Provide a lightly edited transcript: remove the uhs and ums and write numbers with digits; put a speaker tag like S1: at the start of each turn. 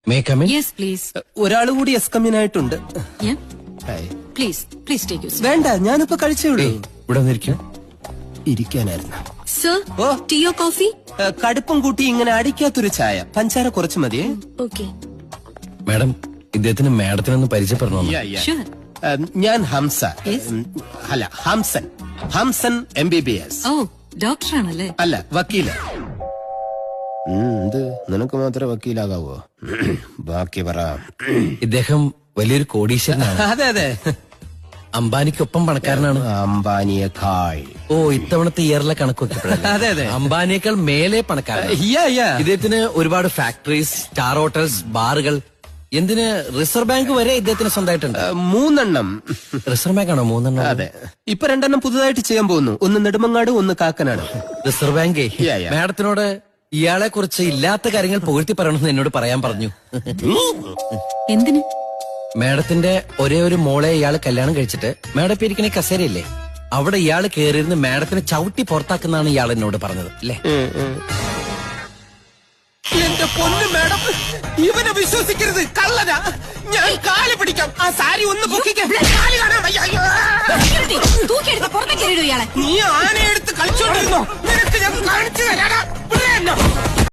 S1: May come in?
S2: Yes please.
S3: ഒരാൾ കൂടി എസ്കമ്മിനായിട്ടുണ്ട്. Hi.
S2: Please please take you.
S3: വേണ്ട, ഞാനിപ്പോ കഴിച്ചേ ഉള്ളൂ.
S1: ഇവിടെ വന്നിരിക്കും.
S3: ഇരിക്കാനായിരുന്നു.
S2: സർ
S3: ഓ.
S2: ടീയോ കോഫി?
S3: കടുപ്പം കൂട്ടി ഇങ്ങനെ അടിക്കാത്തൊരു ചായ, പഞ്ചാര കുറച്ച് മതിയേ.
S2: ഓക്കെ
S1: മാഡം, ഇദ്ദേഹത്തിന് മാഡത്തിനൊന്ന് പരിചയപ്പെടണം.
S2: ഷുവർ.
S3: ഞാൻ ഹംസ.
S2: Yes.
S3: അല്ല, ഹംസൻ. ഹംസൻ MBBS.
S2: ഓ ഡോക്ടറാണല്ലേ?
S3: അല്ല, വക്കീല്. നിനക്ക് മാത്രമേ വക്കീലാകാവോ? ബാക്കി പറ.
S1: ഇദ്ദേഹം വലിയൊരു കോടീശ്വരനാണ്.
S3: അതെ അതെ,
S1: അംബാനിക്കൊപ്പം പണക്കാരനാണ്.
S3: അംബാനിയേക്കാൾ.
S1: ഓ, ഇത്തവണത്തെ ഇയറിലെ കണക്ക് നോക്കിയപ്പോഴല്ലേ?
S3: അതെ അതെ.
S1: അംബാനിയേക്കാൾ മേലെ പണക്കാരനാണ്. ഇദ്ദേഹത്തിന് ഒരുപാട് ഫാക്ടറീസ്, സ്റ്റാർ ഹോട്ടൽസ്, ബാറുകൾ, എന്തിന് റിസർവ് ബാങ്ക് വരെ ഇദ്ദേഹത്തിന് സ്വന്തമായിട്ടുണ്ട്.
S3: 3
S1: റിസർവ് ബാങ്ക് ആണോ 3?
S3: അതെ, ഇപ്പൊ 2 പുതുതായിട്ട് ചെയ്യാൻ പോകുന്നു. ഒന്ന് നെടുമങ്ങാട്, ഒന്ന് കാക്കനാട്.
S1: റിസർവ് ബാങ്കേ
S3: Yeah.
S1: മാഡത്തിനോട് ഇയാളെ കുറിച്ച് ഇല്ലാത്ത കാര്യങ്ങൾ പുകഴ്ത്തി പറയണമെന്ന് എന്നോട് പറയാൻ പറഞ്ഞു.
S2: എന്തിന്?
S1: മാഡത്തിന്റെ ഒരേ ഒരു മോളെ ഇയാള് കല്യാണം കഴിച്ചിട്ട് മാഡം ഇപ്പൊ ഇരിക്കണ കസേരയില്ലേ, അവിടെ ഇയാള് കയറിയിരുന്ന് മാഡത്തിനെ ചവിട്ടി പുറത്താക്കുന്നാണ് ഇയാൾ എന്നോട് പറഞ്ഞത് അല്ലേ?
S3: എന്റെ പൊന്നു മാഡം, ഇവനെ വിശ്വസിക്കരുത്, കള്ളനാ. ഞാൻ കാല് പിടിക്കാം. ആ സാരി ഒന്ന് പൊക്കിക്കാൻ. കാല് കാണാൻ വയ്യ. അയ്യോ.
S2: തൂക്കിയെടുത്ത് പുറത്തേക്ക് എറിയിടൂ ഇയാളെ.
S3: നീ ആനയെടുത്ത് കളിച്ചോണ്ടിരുന്നോ? നിനക്ക് ഞാൻ കാണിച്ചു തരാടാ.